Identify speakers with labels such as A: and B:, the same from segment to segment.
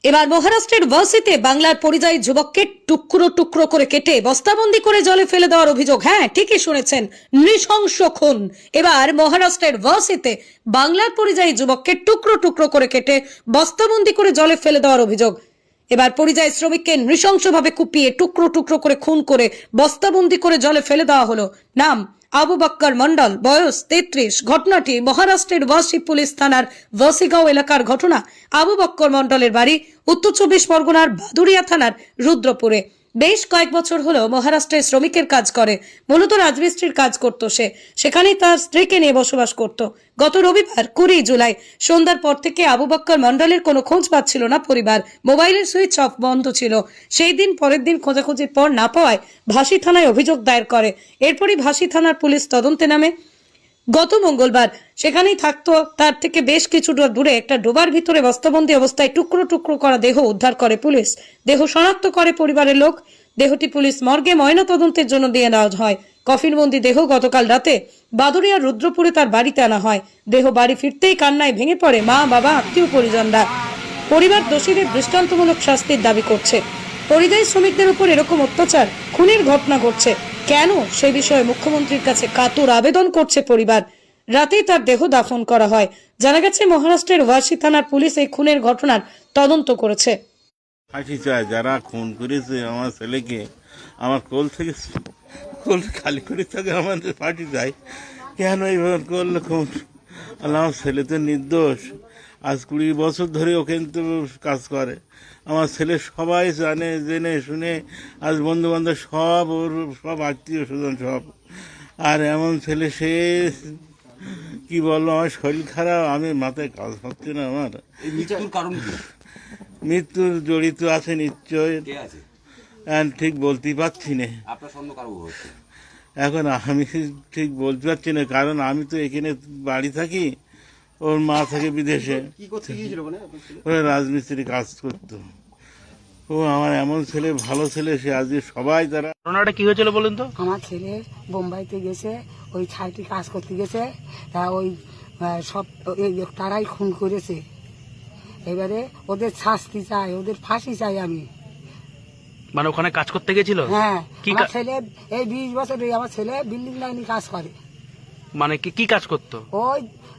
A: এবার মহারাষ্ট্রের ওয়াসিতে বাংলার পরিযায়ী যুবককে টুকরো টুকরো করে কেটে বস্তাবন্দি করে জলে ফেলে দেওয়ার অভিযোগ। হ্যাঁ, ঠিকই শুনেছেন, নৃশংস খুন। এবার মহারাষ্ট্রের ওয়াসিতে বাংলার পরিযায়ী যুবককে টুকরো টুকরো করে কেটে বস্তাবন্দি করে জলে ফেলে দেওয়ার অভিযোগ। এবার পরিযায়ী শ্রমিককে নৃশংসভাবে কুপিয়ে টুকরো টুকরো করে খুন করে বস্তাবন্দি করে জলে ফেলে দেওয়া হলো। নাম আবু বক্কর মন্ডল, বয়স 33। ঘটনাটি মহারাষ্ট্রের ওয়াসি পুলিশ থানার ওয়াসিগাঁও এলাকার ঘটনা। আবু বক্কর মন্ডলের বাড়ি উত্তর 24 পরগনার বাদুড়িয়া থানার রুদ্রপুরে। বেশ কয়েক বছর হলো মহারাষ্ট্রে শ্রমিকের কাজ করে, মূলত রাজমিস্ত্রির কাজ করত সে। সেখানেই তার স্ত্রীকে নিয়ে বসবাস করত। গত রবিবার 20 জুলাই সন্ধ্যার পর থেকে আবু বক্কর মন্ডলের কোনো খোঁজ পাচ্ছিল না পরিবার। মোবাইলের সুইচ অফ বন্ধ ছিল। সেই দিন পরের দিন খোঁজাখুঁজির পর না পাওয়ায় ভাসি থানায় অভিযোগ দায়ের করে। এরপরই ভাসি থানার পুলিশ তদন্তে নামে। গত মঙ্গলবার সেখানেই থাকতো তার থেকে বেশ কিছুটা দূরে একটা ডোবার ভিতরে বস্তাবন্দি অবস্থায় টুকরো টুকরো করা দেহ উদ্ধার করে পুলিশ। দেহ শনাক্ত করে পরিবারের লোক। দেহটি পুলিশ মর্গে ময়না তদন্তের জন্য দিয়ে নেওয়া হয়। কফিনবন্দি দেহ গতকাল রাতে বাদুড়িয়ার রুদ্রপুরে তার বাড়িতে আনা হয়। দেহ বাড়ি ফিরতেই কান্নায় ভেঙে পড়ে মা, বাবা, আত্মীয় পরিজনরা। পরিবার দোষীদের দৃষ্টান্তমূলক শাস্তির দাবি করছে। পরিযায়ী শ্রমিকদের উপর এরকম অত্যাচার, খুনের ঘটনা ঘটছে কেন, সে বিষয়ে মুখ্যমন্ত্রীর কাছে কাতর আবেদন করছে পরিবার। রাতেই তার দেহ দাফন করা হয়। জানা গেছে মহারাষ্ট্রের ওয়াসি থানার পুলিশ এই খুনের ঘটনার তদন্ত করেছে।
B: ফাঁসি চায় যারা খুন করেছে আমার ছেলেকে, আমার কোল খালি করে থাকে, আমাদের ফাঁসি চাই। কেন এইভাবে করলে খুন? আমার ছেলে তো নির্দোষ। আজ 20 বছর ধরে ওখানে তো কাজ করে। আমার ছেলে সবাই জানে, জেনে শুনে, আজ বন্ধু বান্ধব সব, ওর সব আত্মীয় স্বজন সব। আর এমন ছেলে, সে কি বললো, আমার শরীর খারাপ, আমি মাথায় কাজ হচ্ছে না আমার।
C: মৃত্যুর কারণ কি?
B: মৃত্যুর জড়িত আছে নিশ্চয়,
C: কে আছে?
B: ঠিক বলতেই পারছি না।
C: আপনার সন্দেহ কারো হচ্ছে?
B: এখন আমি ঠিক বলতে পারছি না, কারণ আমি তো এখানে বাড়ি থাকি, ওর মা থাকে বিদেশে।
C: কি করতে গিয়েছিল মানে?
B: ওরা রাজমিস্ত্রি কাজ করতো। ও আমার এমন ছেলে, ভালো ছেলে, সে আজকে সবাই তারা।
D: ঘটনাটা কি হয়েছিল বলুন তো?
E: আমার ছেলে বোম্বাইতে গেছে, ওই ছাইটি কাজ করতে গেছে, তা ওই সব তারাই খুন করেছে। এবারে ওদের শাস্তি চাই, ওদের ফাঁসি চাই আমি।
D: মানে ওখানে কাজ করতে গেছিল?
E: হ্যাঁ,
D: কি
E: আমার ছেলে এই 20 বছরে আমার ছেলে বিল্ডিং লাইনে কাজ করে।
D: মানে কি কাজ করতো?
E: ওই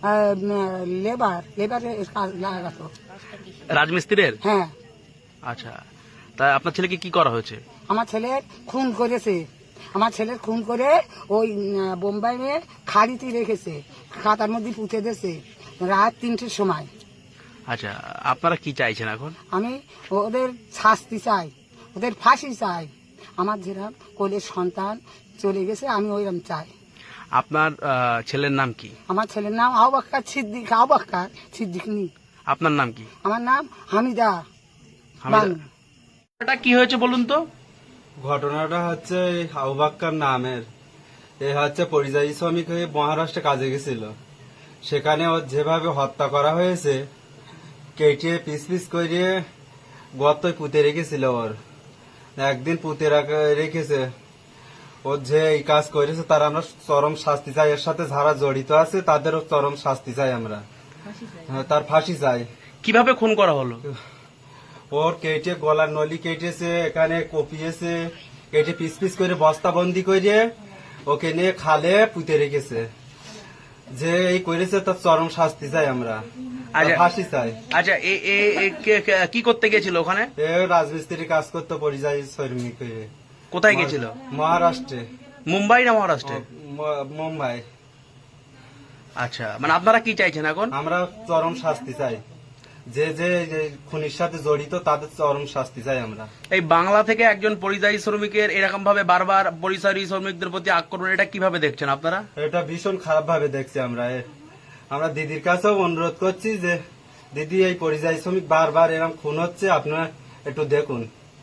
E: লেবারের কাজ লাগাতো।
D: রাজমিস্ত্রির?
E: হ্যাঁ।
D: আচ্ছা, তা আপনার ছেলেকে কি করা হয়েছে?
E: আমার ছেলের খুন করেছে। আমার ছেলের খুন করে ওই বোম্বাইয়ে খাড়িতে রেখেছে, খাতার মধ্যে পুঁতে দিয়েছে রাত 3টের সময়।
D: আচ্ছা, আপনারা কি চাইছেন এখন?
E: আমি ওদের শাস্তি চাই, ওদের ফাঁসি চাই। আমার যেরকম কোলের সন্তান চলে গেছে, আমি ওইরকম চাই।
D: আপনার ছেলের নাম কি?
E: আমার ছেলের নাম আবু বক্কর সিদ্দিকী।
D: আপনার নাম কি?
E: আমার নাম হামিদা বানু।
D: এটা কি হয়েছে বলুন তো?
F: ঘটনাটা হচ্ছে আবু বক্কর নামের, এ হচ্ছে পরিযায়ী শ্রমিক হয়ে মহারাষ্ট্রে কাজে গেছিল। সেখানে ওর যেভাবে হত্যা করা হয়েছে, কেটে পিস পিস করে গর্তয় পুঁতে রেখেছিল। ওর একদিন পুঁতে রেখেছে। ওর যে এই কাজ করেছে তার আমরা চরম শাস্তি চাই। এর সাথে যারা জড়িত আছে তাদেরও চরম শাস্তি চাই আমরা। তার ফাঁসি চাই।
D: কিভাবে খুন করা হলো?
F: ওর কেটে গলার নলি কেটেছে, এখানে কপিয়েছে, কেটে পিস পিস করে বস্তাবন্দি করে ওকে নিয়ে খালে পুঁতে রেখেছে। যে এই করেছে তার চরম শাস্তি চাই আমরা, ফাঁসি চাই।
D: আচ্ছা, কি করতে গেছিল ওখানে?
F: এ রাজমিস্ত্রি কাজ করতো, পরিযায়ী শ্রমিক হয়ে।
D: কোথায় গেছিল?
F: মহারাষ্ট্রে।
D: মুম্বাই না মহারাষ্ট্রে?
F: মুম্বাই।
D: আচ্ছা, মানে আপনারা কি চাইছেন এখন?
F: আমরা চরম শাস্তি চাই। যে যে খুনির সাথে জড়িত তাদের চরম শাস্তি চাই আমরা।
D: এই বাংলা থেকে একজন পরিযায়ী শ্রমিকের এরকম ভাবে বারবার পরিযায়ী শ্রমিকদের প্রতি আক্রমণ, এটা কিভাবে দেখছেন আপনারা?
F: এটা ভীষণ খারাপ ভাবে দেখছি আমরা। আমরা দিদির কাছেও অনুরোধ করছি যে দিদি, এই পরিযায়ী শ্রমিক বারবার এরকম খুন হচ্ছে, আপনারা একটু দেখুন।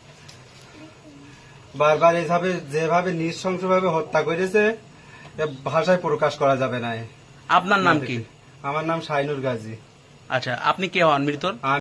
F: বারবার এইভাবে যেভাবে নৃশংসভাবে হত্যা করেছে, ভাষায় প্রকাশ করা যাবে না।
D: আপনার নাম কি?
F: আমার নাম শাইনুর গাজী।
D: আচ্ছা, আপনি কে হন মৃতর?